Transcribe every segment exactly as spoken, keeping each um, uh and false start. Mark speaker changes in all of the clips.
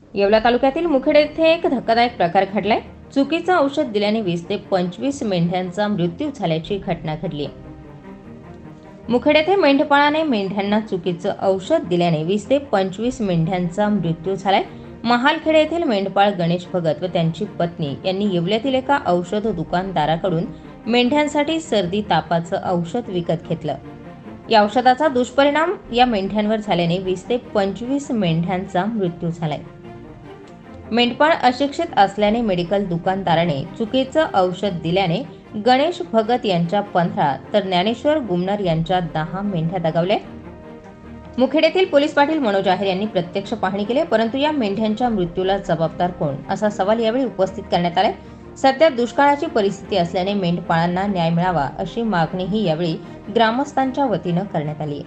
Speaker 1: येवला तालुक्यातील मुखेड येथे एक धक्कादायक प्रकार घडलाय। चुकीचं औषध दिल्याने वीस ते पंचवीस मेंढ्यांचा मृत्यू झाल्याची घटना घडली। मुखेड येथे मेंढपाळाने मेंढ्यांना चुकीचं औषध दिल्याने वीस ते पंचवीस मेंढ्यांचा मृत्यू झालाय। महालखेड येथील मेंढपाळ गणेश भगत व त्यांची पत्नी यांनी येवल्यातील एका औषध दुकानदाराकडून मेंढ्यांसाठी सर्दी तापाचं औषध विकत घेतलं। या औषधाचा दुष्परिणाम या मेंढ्यांवर झाल्याने वीस ते पंचवीस मेंढ्यांचा मृत्यू झालाय। मेंढपाळ अशिक्षित असल्याने मेडिकल दुकानदाराने चुकीचं औषध दिल्याने गणेश भगत यांच्या पंधरा तर ज्ञानेश्वर गुमनर यांच्या दहा मेंढ्या दगावल्या। मुखेड येथील पोलीस पाटील मनोज आहेर यांनी प्रत्यक्ष पाहणी केली, परंतु या मेंढ्यांच्या मृत्यूला जबाबदार कोण असा सवाल यावेळी उपस्थित करण्यात आला। सध्या दुष्काळाची परिस्थिती असल्याने मेंढपाळांना न्याय मिळावा अशी मागणीही यावेळी ग्रामस्थांच्या वतीनं करण्यात आली।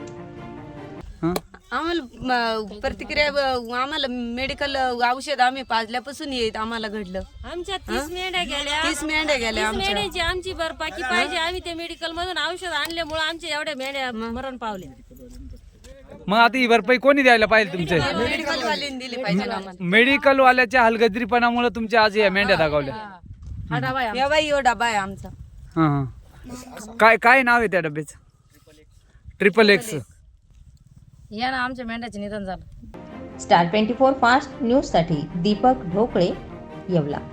Speaker 2: आम्हाला प्रतिक्रिया आम्हाला मेडिकल औषध आम्ही पाजल्यापासून येत आम्हाला घडलं।
Speaker 3: आमच्या तीस मेंढ्या गेल्या
Speaker 2: तीस मेंढ्या गेल्या
Speaker 3: तीस मेंढ्याची आमची भरपाई पाहिजे। आम्ही ते मेडिकल मधून औषध आणल्यामुळे आमच्या एवढ्या मेंढ्या मरण पावल्या।
Speaker 4: मग आता ही भरपाई कोणी द्यायला पाहिजे तुमचे?
Speaker 2: मेडिकल वाल्यांनी दिली पाहिजे आम्हाला।
Speaker 4: मेडिकल वाल्याच्या हलगर्जीपणामुळे तुमच्या आज या मेंढ्या दगावल्या।
Speaker 3: हा डबा आहे
Speaker 2: या बाई, यो डबा आहे आमचा।
Speaker 4: हा हा काय काय नाव आहे त्या डब्याचं? Triple X.
Speaker 3: या ना आमच्या मेंढ्याचे निधन झालं।
Speaker 1: Star twenty four fast news साठी दीपक ढोकळे, येवला।